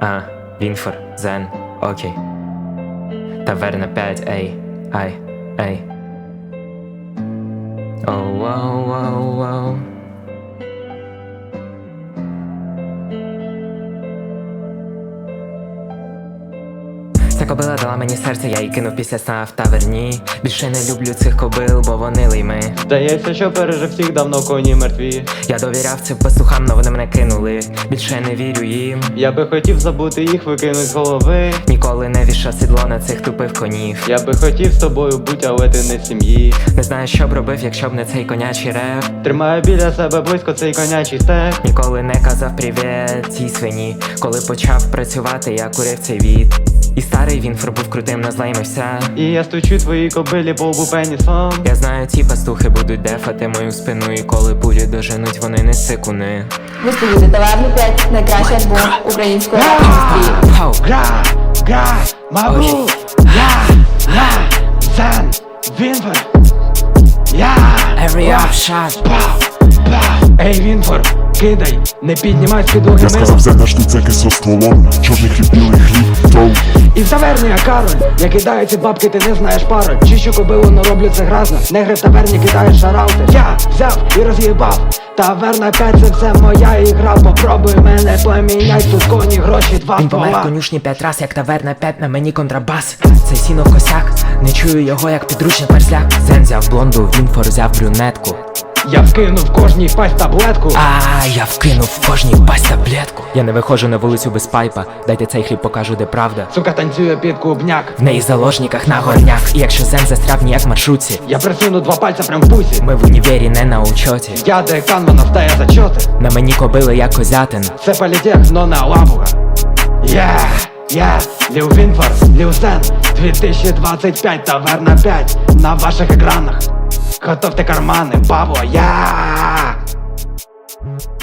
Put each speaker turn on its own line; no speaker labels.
Вінфор, Зен, окей. Таверна 5, ей, ай, ей. Оу, оу, оу, оу. Ця кобила дала мені серце, я її кинув після сна в таверні. Більше не люблю цих кобил, бо вони лийми.
Здається, що пережив всіх, давно коні мертві.
Я довіряв цим пастухам, но вони мене кинули. Більше не вірю їм.
Я би хотів забути їх, викинуть з голови.
Ніколи не вішав сідло на цих тупих конів.
Я би хотів з тобою бути, але ти не в сім'ї.
Не знаю, що б робив, якщо б не цей конячий реп.
Тримаю біля себе близько цей конячий стек.
Ніколи не казав привіт цій свині. Коли почав працювати, я курив цей від. І старий Вінфор був крутим, назлаймився.
І я стучу твоїй кобилі по лбу пенісом.
Я знаю, ці пастухи будуть дефати мою спину. І коли пулі доженуть, вони не сикуни.
Ви слухаєте Таверну 5, найкращий альбом української рап-індустрії.
Гра, мабу, я, Зен, Вінфор,
Hurry up, shot.
Ей, Вінфор, кидай, не піднімай з підлоги
Я сказав, Зена штуцеки со стволом. Чорний хліб, білий хліб, троу.
І в таверні я Кароль, я кидаю ці бабки, ти не знаєш пароль. Чищу кобилу, но роблю це гразно. Негри в таверні кидають шараути. Я взяв і роз'їбав. Таверна 5, це все моя ігра. Попробуй мене поміняй, тут коні, гроші, два
Він помер в
ствола.
конюшні 5 раз, як таверна 5, на мені контрабас. Це сіно косяк, не чую його, як підручний перзляк. Зен взяв блонду, Вінфор взяв брюнетку.
Я вкинув кожній пасть таблетку.
Я вкинув в кожній пасть таблетку. Я не виходжу на вулицю без пайпа. Дайте цей хліб, покажу, де правда.
Сука танцює під клубняк.
В неї заложниках на горняк. І якщо Зен застряв ніяк в маршрутці,
Я присуну два пальця прям в пусі.
ми в універі не на учоті.
Я декан, вона встає зачоти.
На мені кобили, як козятин.
Це політех, но не лапуга. Ліл Вінфор, Ліл Зен, 2025, таверна 5 на ваших екранах. Готовте кармани, бабо,